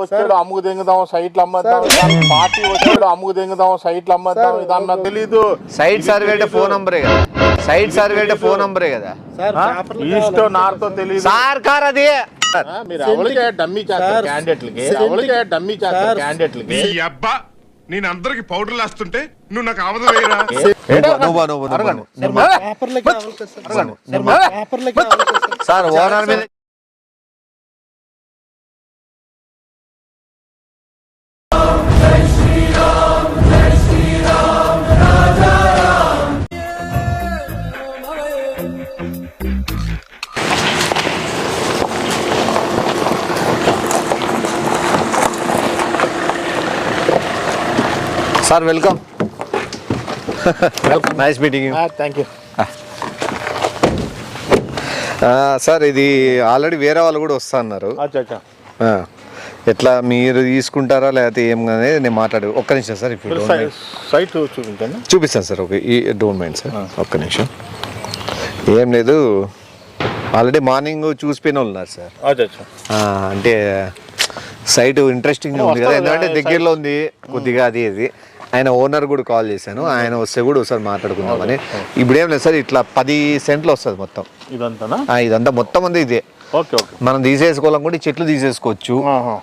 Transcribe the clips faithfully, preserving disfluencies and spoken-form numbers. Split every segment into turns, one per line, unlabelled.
వచ్చాడు అమ్ముకు దింగుదాం సైట్లు అమ్మద్దాం, పార్టీ వచ్చాడు అమ్ముకు దింగుదాం సైట్లు అమ్మద్దాం, ఇదన్నా తెలీదు.
సైట్ సర్వే అంటే ఫోన్ నంబరే కదా, సైట్ సర్వే అంటే ఫోన్ నంబరే కదా,
ఈస్ట్ నార్త్ తెలియదు
సార్ కార్ అది.
మీరు అవలికే డమ్మీ చేస్తారు క్యాండిడేట్లకి, అవలికే డమ్మీ చేస్తారు క్యాండిడేట్లకి.
అబ్బా నేను అందరికి పౌడర్ వేస్తుంటే నువ్వు నాకు ఆవద వేయరా?
సార్ ఓనర్ మీద sir welcome welcome nice meeting you.
Thank you
sir ఇది ఆల్రెడీ వేరే వాళ్ళు కూడా వస్తా అన్నారు, ఎట్లా మీరు తీసుకుంటారా లేకపోతే ఏం అనేది నేను మాట్లాడు. ఒక్క నిమిషం సార్, ఇప్పుడు
సైట్ చూపించండి,
చూపిస్తాను సార్. ఓకే ఈ డోంట్ మైండ్ సార్, ఒక్క నిమిషం. ఏం లేదు, ఆల్రెడీ మార్నింగ్ చూసిపోయిన వాళ్ళు ఉన్నారు సార్. అంటే సైట్ ఇంట్రెస్టింగ్ ఉంది కదా, ఎందుకంటే దగ్గరలో ఉంది కొద్దిగా అది ఇది. ఆయన ఓనర్ కూడా కాల్ చేశాను, ఆయన వస్తే కూడా ఒకసారి మాట్లాడుకుందామని. ఇప్పుడు ఏం లేదు సార్, ఇట్లా పది సెంట్లు వస్తుంది మొత్తం
ఇదంతా,
ఇదంతా మొత్తం ఉంది ఇదే. మనం తీసేసుకోవాలని కూడా ఈ చెట్లు తీసేసుకోవచ్చు.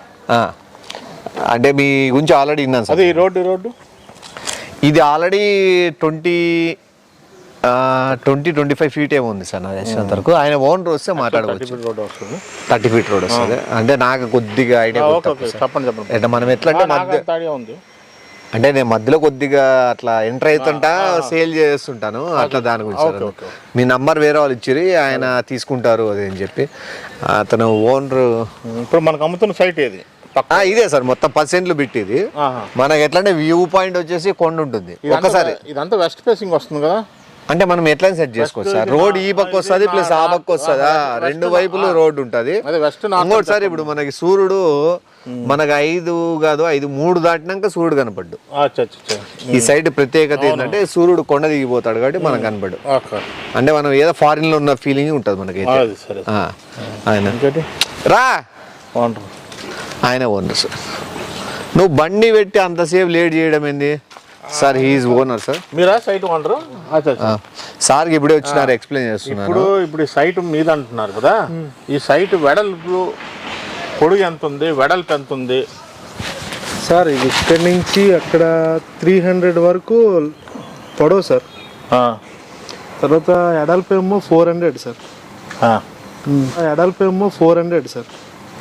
అంటే మీ గురించి ఆల్రెడీ విన్నాను సార్.
ఈ రోడ్డు రోడ్డు
ఇది already twenty twenty twenty five feet ఏమో ఉంది సార్ నా తెలిసినంత వరకు. ఆయన ఓనర్ వస్తే మాట్లాడుకోవచ్చు. థర్టీ ఫీట్ రోడ్ వస్తుంది. అంటే నాకు కొద్దిగా ఐడియా అంటే మనం ఎట్లా అంటే మధ్య అంటే నేను మధ్యలో కొద్దిగా అట్లా ఎంటర్ అవుతుంటా సేల్ చేస్తుంటాను అట్లా, దాని గురించి మీ నంబర్ వేరే వాళ్ళు ఇచ్చిరి, ఆయన తీసుకుంటారు అది అని చెప్పి. అతను ఓనర్
ఇప్పుడు మనకు అమ్ముతున్న సైట్ ఏది?
ఇదే సార్, మొత్తం పర్సెంట్లు పెట్టిది. మనకి ఎట్లా అంటే వ్యూ పాయింట్ వచ్చేసి కొండ ఉంటుంది. ఒక్కసారి
ఇదంతా వెస్ట్ ఫేసింగ్ వస్తుంది కదా,
అంటే మనం ఎట్లా సెట్ చేసుకోవచ్చు సార్. రోడ్ ఈ పక్క వస్తుంది ప్లస్ ఆ పక్క వస్తుందా, రెండు వైపులు రోడ్డు ఉంటుంది. ఇంకోటి సార్, ఇప్పుడు మనకి సూర్యుడు మనకు ఐదు కాదు ఐదు మూడు దాటినాక సూర్యుడు కనపడ్డు. ఈ సైడ్ ప్రత్యేకత ఏంటంటే సూర్యుడు కొండ దిగిపోతాడు కాబట్టి మనకు కనపడ్డు. అంటే మనం ఏదో ఫారిన్ లో ఉన్న ఫీలింగ్ ఉంటుంది మనకి. ఆయన రా ఆయన ఓనర్ సార్. నువ్వు బండి పెట్టి అంతసేపు లేట్ చేయడం ఏంది సార్? He is owner sir.
మీరా సైట్ ఓనర్?
సార్కి ఇప్పుడే వచ్చినారు, ఎక్స్ప్లెయిన్ చేస్తున్నారు.
ఇప్పుడు ఇప్పుడు ఈ సైట్ మీద అంటున్నారు కదా, ఈ సైట్ వెడల్పు పొడుగు ఎంత ఉంది, వెడల్పు ఎంత ఉంది
సార్? ఇది ఇక్కడి నుంచి అక్కడ త్రీ హండ్రెడ్ వరకు పొడవు సార్. తర్వాత ఎడల్పు ఏమో ఫోర్ హండ్రెడ్ సార్. ఎడల్పు ఏమో ఫోర్ హండ్రెడ్ సార్.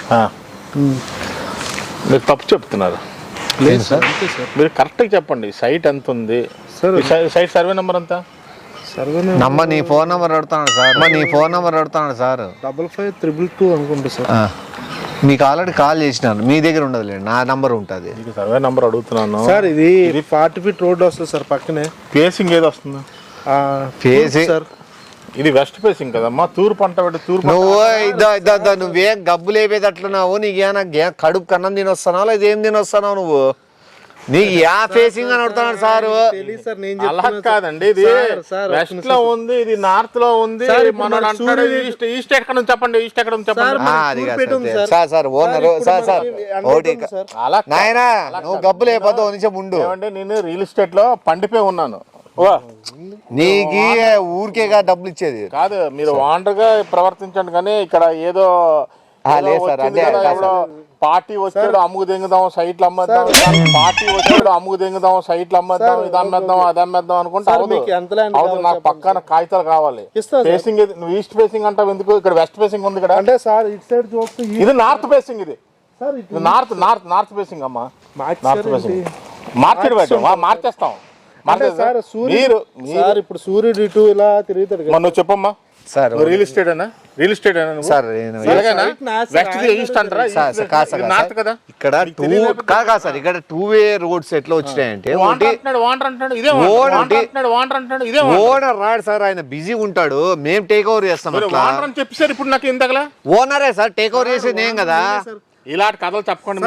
మీరు తప్పు చెప్తున్నారు.
లేదు సార్,
మీరు కరెక్ట్గా చెప్పండి సైట్ ఎంత ఉంది. సైట్ సర్వే నెంబర్ ఎంత?
సర్వే
నమ్మ నీ ఫోన్ నెంబర్ అడుగుతాను సార్, నీ ఫోన్ నెంబర్ అడుగుతాను sir.
Double five triple two అనుకుంటా సార్.
మీకు ఆల్రెడీ కాల్ చేసినాను, మీ దగ్గర ఉండదులే, నా నంబర్ ఉంటుంది.
సర్వే నెంబర్ అడుగుతున్నాను
సార్. ఇది ఇది ఫార్టీ ఫీట్ రోడ్ వస్తుంది సార్. పక్కనే
ఫేసింగ్ ఏది వస్తుంది?
ఫేసింగ్
సార్ ఇది వెస్ట్ ఫేసింగ్ కదమ్మా, తూర్పు పంట పెట్టి తూర్పు.
నువ్వు ఇద్దా ఇద్దా నువ్వేం గబ్బు లేపేది అట్లున్నావు, నీకేనా కడుపు కన్నం తినొస్తున్నావు లేదా ఏం తినొస్తున్నావు నువ్వు? నీకు యా ఫేసింగ్ అని అడుగుతున్నాడు సార్.
అలా కాదండి, ఇది వెస్ట్ లో ఉంది, ఇది నార్త్ లో ఉంది. ఈస్ట్ ఈస్ట్ ఎక్కడ నుంచి చెప్పండి, ఈస్ట్ ఎక్కడ నుంచి చెప్పండి
sir. Sir owner sir sir ఓటి నాయనా నువ్వు గబ్బు లేకపోతే ఓ నిమిషం ఉండు.
ఏమంటే నేను రియల్ ఎస్టేట్ లో పండిపోయి ఉన్నాను.
నీకు ఊరికేగా డబ్బులు ఇచ్చేది
కాదు, మీరు ఓనర్ గా ప్రవర్తించండి. కానీ ఇక్కడ ఏదో పార్టీ వచ్చాడు అమ్ముకు దింగుదాం సైట్లు అమ్మద్దాం, పార్టీ వచ్చాడు అమ్ముకు దింగుదాం సైట్లు అమ్మద్దాం, ఇది అమ్మేద్దాం అది అమ్మేద్దాం అనుకుంటే అవును. నాకు పక్కన కాగితాలు కావాలి. ఫేసింగ్ నువ్వు ఈస్ట్ ఫేసింగ్ అంటావు ఎందుకు? ఇక్కడ వెస్ట్ ఫేసింగ్ ఉంది ఇక్కడ.
అంటే సార్ ఇటు సైడ్ చూస్తే
ఇది నార్త్ ఫేసింగ్. ఇది నార్త్ నార్త్ నార్త్ ఫేసింగ్ అమ్మా. నార్త్ ఫేసింగ్ మార్కెట్ పెట్టాం, మార్చేస్తాం.
మీరు ఇప్పుడు సూర్యుడు ఇటు ఇలా తిరుగుతాడు.
నువ్వు చెప్పమ్మా
సార్,
రియల్ ఎస్టేట్ అన్నా? రియల్ ఎస్టేట్
సార్ ఇక్కడ టూ కాదు సార్, ఇక్కడ టూ వే రోడ్స్ ఎట్లా వచ్చినాయంటే ఓనర్ రాడు సార్, ఆయన బిజీ ఉంటాడు, మేము టేక్ ఓవర్ చేస్తాం.
చెప్పారు ఇప్పుడు నాకు ఇంతకలా
ఓనరే సార్ టేక్ ఓవర్ చేసేది ఏం కదా.
ఇలాంటి కథలు చెప్పకండి.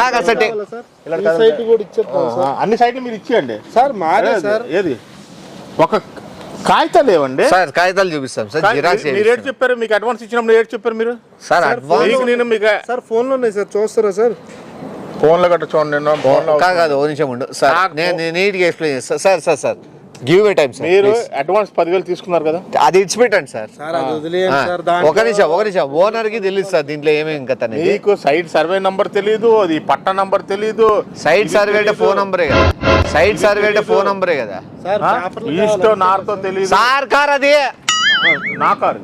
అన్ని సైట్లు మీరు ఇచ్చేయండి
సార్. మారే సార్
ఏది ఒక కాగితాలు లేవండి
సార్, కాగితాలు చూపిస్తాం సార్.
మీరు రేట్ చెప్పారు, మీకు అడ్వాన్స్ ఇచ్చినప్పుడు రేట్ చెప్పారు మీరు
సార్. అడ్వాన్స్
నేను మీకు
సార్ ఫోన్ లో ఉన్నాయి సార్, చూస్తారా సార్?
ఫోన్ లో గట్ట చూడండి నేను ఫోన్ లో
కాదు కాదు ఓ నిమిషం ఉండు సార్ నేను నేను నీట్గా ఎక్స్ప్లెయిన్ చేస్తాను sir sir sir give a time sir
మీరు అడ్వాన్స్ పదివేలు తీసుకున్నారు కదా,
అది ఇచ్చిపెట్టండి సార్.
సార్ అది వదిలేయండి
ఆ,
సార్. దాంట్లో-
ఒక నిమిషం ఒక నిమిషం ఓనర్ కి తెలియదు సార్ దీంట్లో ఏమేమి ఇంకా తనకి
నీకు సైట్ సర్వే నంబర్ తెలీదు, అది పట్ట నంబర్ తెలీదు,
సైట్ సర్వే అంటే ఫోన్ నంబరే కదా, సైట్ సర్వే అంటే ఫోన్ నంబరే కదా
సార్ పేపర్లు
ఈస్ట్
కావాలా?
నార్త్ తెలీదు.
సార్ కార్ అది
నా కారు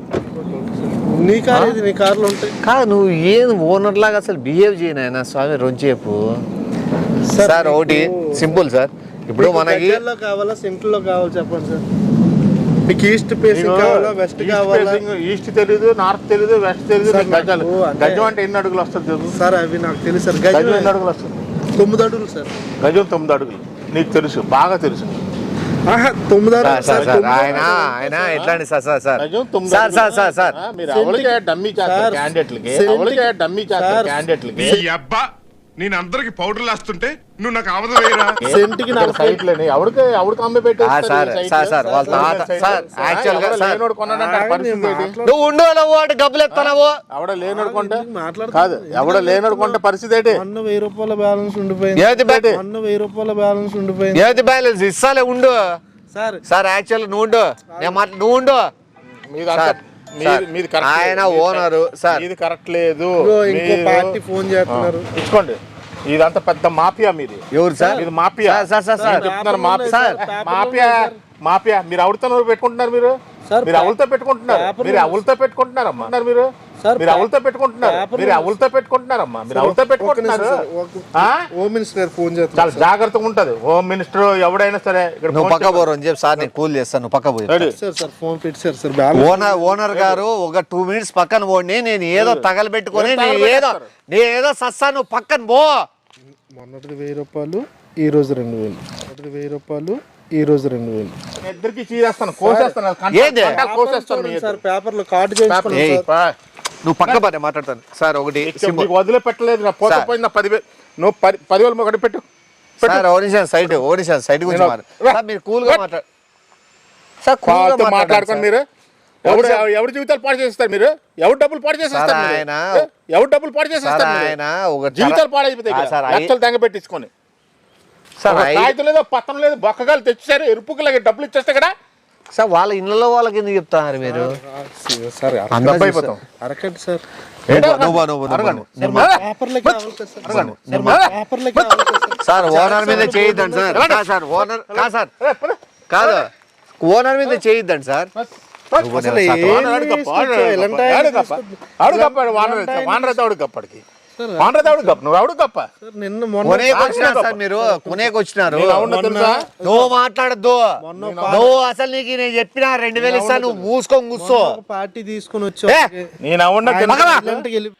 నీ కార్ ఇది, నీ కార్లు ఉంటాయి
కాదు నువ్వు ఏం ఓనర్ లాగా అసలు బిహేవ్ చేయను స్వామి రొంచేపు సార్. ఒకటి సింపుల్ సార్, ఇప్పుడు మనకి
గజ్జల్లో కావాలా సెంటర్ లో కావాలా చెప్పండి సార్. మీకు ఈస్ట్ ఫేసింగ్ కావాలా వెస్ట్ కావాలా?
ఈస్ట్ తెలీదు, నార్త్ తెలీదు, వెస్ట్ తెలీదు.
సార్,
నీకు గజాలు
నాకు అంటే-
గజం అంటే ఎన్ని అడుగులు వస్తుంది తెలుసు?
సార్ అవి నాకు తెలుసు సార్.
గజం
గజం
ఎన్ని అడుగులు వస్తుంది?
తొమ్మిది అడుగులు సార్.
గజం తొమ్మిది అడుగులు నీకు తెలుసు, బాగా తెలుసు.
ఆహా, తొమ్మిది
సార్
అడుగులు
సార్
సార్.
సార్
తొమ్మిది
ఆయన
అడుగులు.
ఆయన ఎట్లాంటి సార్ సార్ సార్
గజం తొమ్మిది
సార్ సార్
అడుగులు.
సార్ సార్
ఆ, మీరు అవలికే డమ్మీ చేస్తారు
సార్,
క్యాండిడేట్లకి,
సెంటికి-
అవలికే డమ్మీ చేస్తారు
సార్,
క్యాండిడేట్లకి.
ఈ అబ్బా నేను అందరికి పౌడర్లు వేస్తుంటే నువ్వు నాకు అవధ వేయరా.
సెంటికి
ఇక్కడ
నలభై
సైట్లని ఎవరికి ఎవరికి అమ్మి
ఆ, సార్
పెట్టేస్తారు
సార్ సార్ వాళ్ళ తాత సార్ యాక్చువల్ గా సార్
లేనోడు కొన్నాడంటే ఆ పరిస్థితి ఏంటి?
నువ్వు ఉండో నువ్వు అంటే గబ్బులు ఎత్తావు
ఎవడ లేనోడు కొంటే
మాట్లాడుతున్నా.
కాదు, ఎవడ లేనోడు కొంటే పరిస్థితి ఏంటి?
మొన్న వెయ్యి రూపాయల బ్యాలెన్స్ ఉండిపోయింది.
ఏది బయట
మొన్న వెయ్యి రూపాయల బ్యాలెన్స్ ఉండిపోయింది
ఏది బ్యాలెన్స్ ఇస్తాలే ఉండు
సార్.
సార్ యాక్చువల్ నువ్వు ఉండు నేను మాట నువ్వు ఉండు
మీది అంతా-
సార్,
మీది-
సార్,
మీది కరెక్ట్
ఆయన
లేదు.
ఓనరు సార్
ఇది కరెక్ట్ లేదు.
ఇదిగో ఇంకో
మీరు-
పార్టీ ఫోన్ చేస్తున్నారు.
ఆ, ఇచ్చుకోండి. ఇదంతా పెద్ద మాఫియా మీది.
ఎవరు సార్
ఇది mafia.
Sir sir sir sir
నేను చెప్తున్నాను
పేపర్లో
మాఫియా.
ఉన్నాయి
సార్,
సార్,
మాఫియా మాఫియా మీరు అవులతో నోరు పెట్టుకుంటున్నారు. మీరు
సార్,
మీరు అవులతో పెట్టుకుంటున్నారు.
పేపర్లో
మీరు అవులతో పెట్టుకుంటున్నారమ్మా మీరు
సార్,
మీరు అవులతో పెట్టుకుంటున్నారు.
పేపర్లో
మీరు అవులతో పెట్టుకుంటున్నారమ్మా మీరు అవులతో పెట్టుకుంటున్నారు. ఆ?
హోమ్ మినిస్టర్ గారు ఫోన్
చాలా
చేస్తున్నారు.
జాగ్రత్తగా ఉంటది హోమ్ మినిస్టర్ ఎవడైనా సరే. ఇక్కడ
నువ్వు
ఫోన్
పక్క పోరు అని చెప్పి సార్ నేను కూల్ చేస్తాను నువ్వు పక్క పోయి
రెడీ.
సార్ సార్ ఫోన్ పెట్టారు సార్. బ్యాలెన్స్
ఓనర్ ఓనర్ గారు ఒక టూ మినిట్స్ పక్కన పోండి నేను ఏదో తగలబెట్టుకొని
ఏం
నేను ఏదో
తగలబెట్టేస్తారు?
నేను ఏదో సస్తా నువ్వు పక్కన పో
మొన్నటిది వెయ్యి రూపాయలు, ఈ రోజు రెండు వేలు. మొన్నటిది వెయ్యి రూపాయలు, ఈ రోజు రెండు వేలు.
నేను ఇద్దరికి చీరేస్తాను, కోసేస్తాను.
ఏది?
కోసేస్తాను మీ
సార్ పేపర్లో కార్డు చేయించుకున్నాం
ఏయ్,
సార్.
నువ్వు పక్క పడే మాట్లాడతాను సార్. ఒకటి సింపుల్
నీకు వదిలిపెట్టలేదు. నా పోత
సార్.
పోయింది నా పదివేలు. నువ్వు పది పదివేలు ఒకటి పెట్టు.
సార్ ఓడిషన్ సైట్ ఓడిషన్ సైట్ గురించి
నేను-
మాట్లాడు సార్. మీరు కూల్ గా మాట్లాడు సార్. కూల్ గా
వాళ్ళతో
మాట్లాడండి
మాట్లాడుకోండి.
సార్.
మీరు ఎవరు ఎవరి జీవితాలు పాడు చేస్తారు? మీరు ఎవరు డబ్బులు పాడు చేసేస్తారు?
సార్,
మీరు?
ఆయన-
ఏ? ఎవరు డబ్బులు పాడు
సార్
చేసేస్తారు? మీరు?
ఆయన ఒక
జీవితాలు పాడైపోతాయి.
ఆ, సార్, అయి-
లక్షలు తెంగ పెట్టించుకొని
సార్ అయి-
కాగితం లేదో పత్రం లేదు, బొక్కగాలు తెచ్చారు, ఎరుపుకి డబ్బులు ఇచ్చేస్తే కదా
సార్ వాళ్ళ ఇళ్ళలో వాళ్ళకి ఎందుకు చెప్తారు మీరు
సార్
అంతా
డబ్బు అయిపోతాం.
అరకండి సార్.
నువ్వు నువ్వు నువ్వు
అడగండి.
నువ్వు
పేపర్లకి కావాలి కదా సార్.
అడగండి.
పేపర్లకి కావాలి కదా సార్.
సార్ ఓనర్ మీద చేయొద్దండి సార్. కాదు సార్ ఓనర్ కాదు సార్ కాదు ఓనర్ మీద చేయొద్దండి సార్. నువ్వు
అసలు
నేను
ఏం
వానర్ అడుగు గప్ప, వానర్ అడుగు
ఇలాంటి
గప్ప,
ఆయన
అడుగు గప్ప. అడుగు గప్ప, వానర్ అయితే, వానర్ అయితే అడుగు గప్పడికి. వానర్ అయితే అడుగు గప్ప, నువ్వు అడుగు గప్ప.
సార్ నిన్న మొన్న
కొనేకి వచ్చినారు సార్ మీరు కొనేకి వచ్చినారు.
నేను అవును తెలుసా?
నువ్వు మాట్లాడద్దు
మొన్న
నువ్వు అసలు నీకు నేను చెప్పిన రెండు వేలు ఇస్తా నువ్వు మూసుకొని కూర్చో.
ఒక పార్టీ తీసుకుని వచ్చి
ఏ!
నేను అవును
ఆయన
తెలుసా?
ఇలాంటికి వెళ్ళి-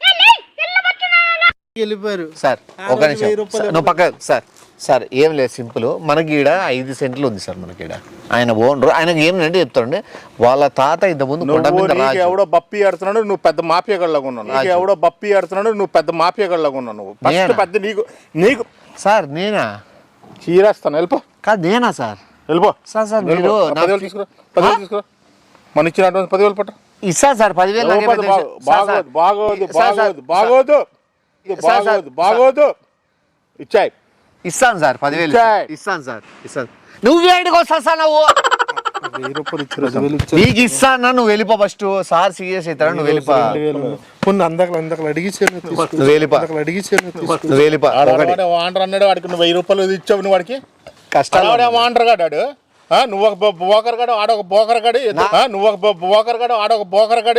వెళ్ళిపోయారు
సార్
ఆ
ఒక
రోజు
నిమిషం
వెయ్యి రూపాయలు
సార్, నువ్వు పక్క సార్ సార్ ఏం లేదు సింపుల్. మనకి ఈడ ఐదు సెంట్లు ఉంది సార్. మనకి ఈడ ఆయన ఓనర్ ఆయనకి ఏమిటంటే చెప్తాడండి వాళ్ళ తాత ఇంత ముందు కొండ
నువ్వు
మీద
నీకు
రాజు.
ఎవడో బప్పి ఆడుతున్నాడు, నువ్వు పెద్ద మాఫియా గళ్ళగా ఉన్నావు. నీకు ఎవడో బప్పి ఆడుతున్నాడు, నువ్వు పెద్ద మాఫియా గళ్ళగా ఉన్నావు. నువ్వు ఫస్ట్
నేనా?
పెద్ద నీకు నీకు
సార్ నేనా
చీరేస్తాను. వెళ్ళిపో
కాదు నేనా సార్
వెళ్ళిపో.
సార్ సార్
వెళ్ళిపో.
మీరు
ఆ
నా-
పదివేలు తీసుకురా, పదివేలు తీసుకురా. మన ఇచ్చిన అడ్వాన్స్ పదివేలు పట్టు.
ఇస్తా సార్ పదివేలు నాకేం
బాగోదు,
పెద్ద విషయం. Sir, sir.
బాగోదు,
సార్, సార్,
బాగోదు, బాగోదు,
సార్, సార్,
బాగోదు, బాగోదు. ఇచ్చాయి.
ఇస్తాను సార్ పదివేలు
ఇచ్చాయ్.
ఇస్తాను సార్ ఇస్తాను. నువ్వు ఏడికి వస్తా సార్ నువ్వు
వెయ్యి రూపాయలు ఇచ్చారు, రెండు వేలు ఇచ్చారు.
నీకు ఇస్తాను నువ్వు వెళ్ళిపో ఫస్ట్. సార్ సీరియస్ అవుతారా నువ్వు వెళ్ళిపో.
రెండు వేలు. కొన్ని అందకలు అందకలు అడిగిచ్చాను
నువ్వు వెళ్ళిపో
అడిగిచ్చాను
నువ్వు వెళ్ళిపో.
ఆడ
ఒకటి
వాడే వాండర్ అన్నాడు, వాడికి నువ్వు వెయ్యి రూపాయలు ఇచ్చావు. నువ్వు వాడికి
కష్టాలు
ఆడే వాండర్ గాడు. ఆ, నువ్వు ఒక బో- బోకర్ గాడు, ఆడొక బోకర్ గాడు. ఆ, నువ్వు ఒక బో- బోకర్ గాడు, ఆడొక బోకర్ గాడు.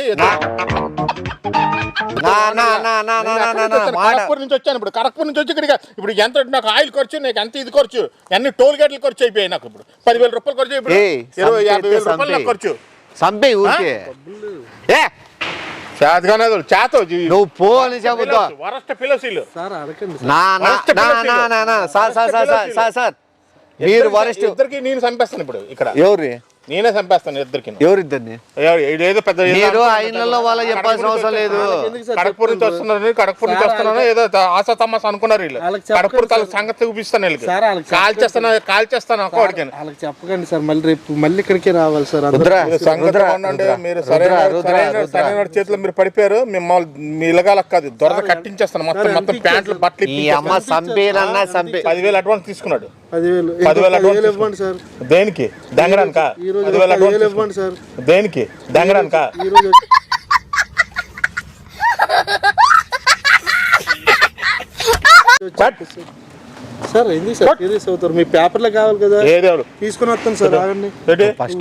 నా నా నా నా నా నా నా నా మాట
కరక్పూర్ నుంచి వచ్చాను. ఇప్పుడు కరక్పూర్ నుంచి వచ్చి ఇక్కడికి ఇప్పుడు ఎంత నాకు ఆయిల్ ఖర్చు, నాకు ఎంత ఇది ఖర్చు, అన్ని టోల్ గేట్లు ఖర్చు అయిపోయాయి. నాకు ఇప్పుడు పదివేల రూపాయలు ఖర్చు ఇప్పుడు
ఏయ్,
ఇరవై యాభై
సంపే,
వేల రూపాయలు నాకు
సంపే.
ఖర్చు.
సంపే ఊరికే ఏ
చేతగానే చేతో
నువ్వు పో అని చెబుతా.
వరస్ట్ ఫిలోసీలు.
సార్ అడగండి
నా నా నా నా నా నా sir sir sir sir sir sir మీరు వరస్ట్
ఇద్దరికి నేను చంపేస్తాను ఇప్పుడు ఇక్కడ.
ఎవరి
నేనే చంపేస్తాను ఇద్దరికి.
ఎవరిద్దరిని?
ఏదో పెద్ద
మీరు ఆ ఇళ్లలో వాళ్ళకి చెప్పాల్సిన అవసరం లేదు.
కడపూర్ నుంచి వస్తున్నారు, కడపూర్ నుంచి వస్తున్నాను ఏదో ఆశ తమాస అనుకున్నారు వీళ్ళు. కడపూర్ తల సంగతి చూపిస్తాను వీళ్ళకి. కాల్ చేస్తాను కాల్ చేస్తాను అక్కడికి
వాళ్ళకి చెప్పకండి సార్, మళ్ళీ రేపు మళ్ళీ ఇక్కడికి రావాలి సార్.
సంగతి ఉండండి. మీరు సరైన సరైన చేతిలో మీరు పడిపోయారు. మిమ్మల్ని మీ ఇలగాలకు కాదు దొరద కట్టించేస్తాను మొత్తం మొత్తం ప్యాంట్లు బట్టలు.
ఈ అమ్మ సంపేలన్నా సంపే
పదివేలు అడ్వాన్స్ తీసుకున్నాడు.
పదివేలు
పదివేలు అడ్వాన్స్
ఇవ్వండి సార్.
దేనికి? దంగడానికా? పదివేలు అడ్వాన్స్
ఇవ్వండి సార్.
దేనికి? దంగడానికా?
ఈ రోజు సార్ ఏంది సార్ సీరియస్ అవుతారు? మీ పేపర్లో కావాలి కదా,
ఏదేవాడు
తీసుకుని వస్తాను సార్. ఆగండి
ఫస్ట్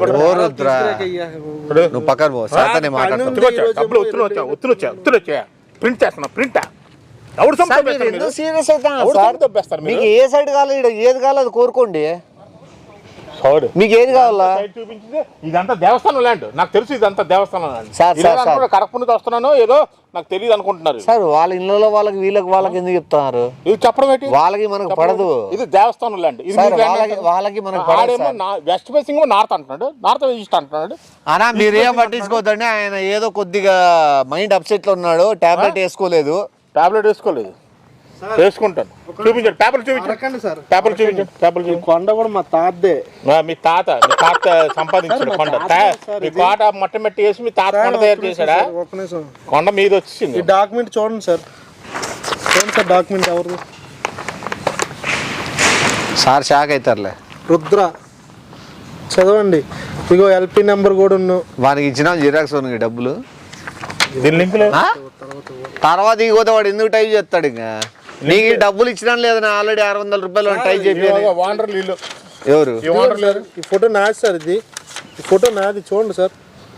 నువ్వు పక్కన పో. సార్తోనే మాట్లాడుతాను.
డబ్బులు ఒత్తులు వచ్చా ఒత్తులు వచ్చా ఒత్తులు వచ్చా ప్రింట్ చేస్తున్నా ప్రింటా. ఎవడు
సీరియస్ అవుతాను. మీకు ఏ సైడ్ కావాలి, ఏది కావాలి అది కోరుకోండి. మీకు ఏది కావాలా?
చూపించింది ఇదంతా దేవస్థానం ల్యాండ్. నాకు తెలుసు ఇదంతా దేవస్థానం
సార్
ల్యాండ్. కడప నుంచి వస్తున్నాను ఏదో నాకు తెలియదు అనుకుంటున్నారు.
సార్ వాళ్ళ ఇళ్ళలో వాళ్ళకి వీళ్ళకి వాళ్ళకి ఎందుకు చెప్తున్నారు?
ఇది చెప్పడం ఏంటి?
వాళ్ళకి మనకు పడదు.
ఇది దేవస్థానం ల్యాండ్.
వాళ్ళకి మనకు పడేమో
వెస్ట్ ఫేసింగ్ నార్త్ అంటున్నాడు, నార్త్ ఈస్ట్ అంటున్నాడు.
అనా మీరేం పట్టించుకోవద్దండి. ఆయన ఏదో కొద్దిగా మైండ్ అప్సెట్ లో ఉన్నాడు. టాబ్లెట్ వేసుకోలేదు.
టాబ్లెట్ వేసుకోలేదు వేసుకుంటాను. చూపించండి పేపర్ చూపించండి సార్. పేపర్ చూపించండి. పేపర్ చూపించండి.
కొండ కూడా మా తాతదే.
మీ తాత మీ తాత సంపాదించాడు కొండ. మీ కోట మొట్ట మెట్టి వేసి మీ తాత కొండ తయారు చేశాడా? కొండ మీద వచ్చింది.
ఈ డాక్యుమెంట్ చూడండి సార్. చూడండి సార్ డాక్యుమెంట్ ఎవరిది?
సార్ షాక్ అవుతారులే.
రుద్ర చదవండి. ఇగో ఎల్పి నెంబర్ కూడా ఉన్నావు.
వానికి ఇచ్చిన జిరాక్స్ ఉన్నాయి డబ్బులు.
దీని లింక్ లేదు.
తర్వాత ఇకపోతే వాడు ఎందుకు టైప్ చేస్తాడు? ఇంకా నీకు డబ్బులు ఇచ్చినా లేదని ఆల్రెడీ ఆరు వందల రూపాయలు టైప్ చెప్పి. ఎవరు?
ఈ ఫోటో నాది సార్. ఇది ఈ ఫోటో నాది చూడండి సార్.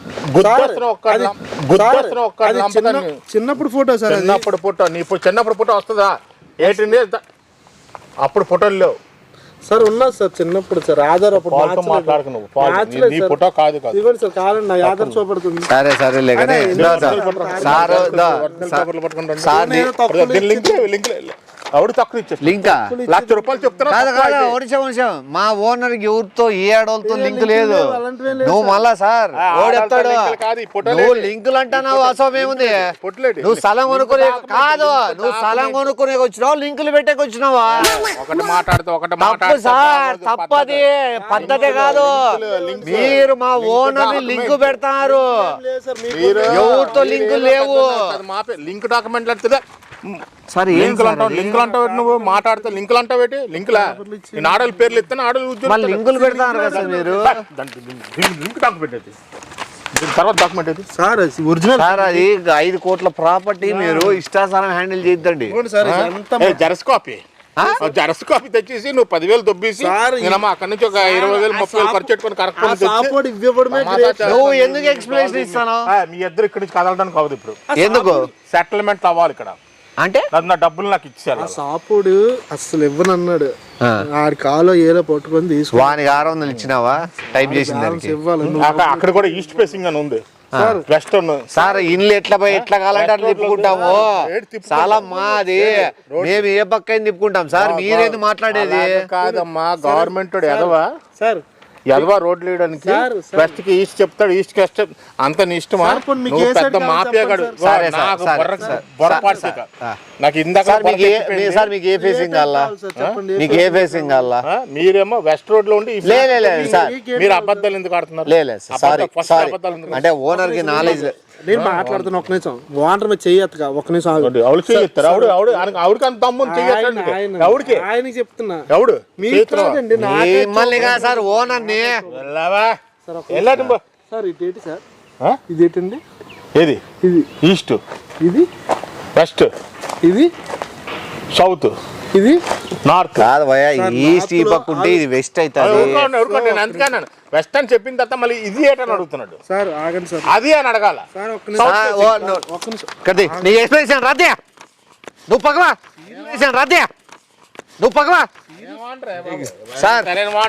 చిన్నప్పుడు ఫోటో సార్.
చిన్నప్పుడు ఫోటో. నీ చిన్నప్పుడు ఫోటో వస్తుందా? ఎయిటీన్ ఇయర్స్ అప్పుడు ఫోటోలు లేవు
సార్. ఉన్నది సార్ చిన్నప్పుడు సార్. ఆధార్ అప్పుడు
మాట్లాడుకు నువ్వు ఫోటో కాదు కాదు
ఇవ్వండి సార్. కావాలండి నా ఆధార్ చూపడుతుంది.
సరే సరే లేకనే
ఎవడు తక్కువ ఇచ్చాడు?
లింకా
లక్ష రూపాయలు చెప్తున్నా.
మా ఓనర్ ఎవరితో ఏ ఆడవాళ్ళతో లింక్ లేదు. నువ్వు మళ్ళా సార్ ఓడెత్తాడు. నువ్వు లింకులు అంటున్నావు. అసమేముంది? నువ్వు స్థలం కొనుక్కునే కాదు, నువ్వు స్థలం కొనుక్కునే వచ్చినావు, లింకులు పెట్టేకి వచ్చినావా?
ఒకటి మాట్లాడుతూ ఒకటి
తప్పు సార్. తప్పది పద్ధతి కాదు. మీరు మా ఓనర్ ని లింక్ పెడతారు. ఎవరితో లింకులు లేవు.
లింక్ డాక్యుమెంట్లు అంటే
సరే
లింకులు అంటావు. లింకులు అంటావు నువ్వు మాట్లాడితే లింకులు అంటావు ఏంటి? లింకులా నేను ఆడల పేర్లు ఇస్తాను. ఆడలు ఉద్యోగం
లింకులు పెడతారు కదా మీరు.
లింక్ డాక్యుమెంట్ అయితే దీని తర్వాత డాక్యుమెంట్ అయితే
సార్ ఒరిజినల్
సార్. అది ఐదు కోట్ల ప్రాపర్టీ. మీరు ఇష్టాసారం హ్యాండిల్ చేద్దండి.
జెరాక్స్ కాపీ జెరాక్స్ కాపీ తెచ్చేసి నువ్వు పదివేలు దొబ్బేసి నేనమ్మా అక్కడి నుంచి ఒక ఇరవై వేలు ముప్పై వేలు ఖర్చు పెట్టుకుని కరెక్ట్.
నువ్వు ఎందుకు ఎక్స్ప్లెనేషన్ ఇస్తాను?
మీ ఇద్దరు ఇక్కడి నుంచి కదలడానికి అవ్వదు. ఇప్పుడు
ఎందుకు
సెటిల్మెంట్ అవ్వాలి ఇక్కడ
అంటే?
నా డబ్బులు నాకు ఇచ్చారు.
సాపుడు అసలు ఇవ్వనన్నాడు. ఆడి కాలో ఏదో పట్టుకొని తీసుకు
వానికి ఆరు వందలు ఇచ్చినావా టైప్ చేసిన దానికి?
అక్కడ కూడా ఈస్ట్ ఫేసింగ్ అని ఉంది. వెస్టర్న్
సార్ ఇల్లు ఎట్లా పోయి ఎట్లా కావాలంటే అట్లా తిప్పుకుంటాము. చాలా మాది. మేము ఏ పక్క తిప్పుకుంటాం సార్. మీరేది మాట్లాడేది?
కాదమ్మా గవర్నమెంట్ ఎదవా
సార్.
ఎదవా రోడ్లు వేయడానికి వెస్ట్ కి ఈస్ట్ చెప్తాడు, ఈస్ట్ కి వెస్ట్. అంత నీ ఇష్టమా? నువ్వు పెద్ద మాఫియాగాడు. నాకు ఇందాక
సార్ మీకు ఏ ఫేసింగ్ కావాలా? మీకు ఏ ఫేసింగ్ కావాలా?
మీరేమో వెస్ట్ రోడ్ లో ఉండి
సార్
మీరు అబద్ధాలు ఎందుకు ఆడుతున్నారు?
లేదు సారీ. అంటే ఓనర్ కి నాలెడ్జ్.
నేను మాట్లాడుతున్నా ఒక నిమిషం. ఓనర్ మీద చెయ్యత్తుగా ఒక నిమిషం ఆవిడ
ఆవిడ చెయ్యొత్తారు. ఆవిడ ఆవిడ ఆవిడకి అంత తమ్ముని చెయ్యొద్దండి. ఎవడికి?
ఆయనకి చెప్తున్నా.
ఎవడు?
మిమ్మల్ని కాదు సార్, ఓనర్ ని.
సార్ ఇదేంటి సార్? ఇదేంటండి?
ఏది?
ఇది
ఈస్ట్,
ఇది
వెస్ట్,
ఇది
సౌత్,
ఇది
నార్త్. కాదు భయ్యా, ఈస్ట్ ఈ పక్క ఉంటే ఇది వెస్ట్ అవుతుంది.
నేను అందుకన్నాను వెస్ట్ అని చెప్పిన తర్వాత మళ్ళీ ఇది ఏటని అడుగుతున్నాడు.
సార్ ఆగండి సార్.
అది అని అడగాల.
నీ ఎక్స్ప్లెనేషన్ రాదే. నువ్వు పక్కవా రాదే. నువ్వు పక్కవా సార్.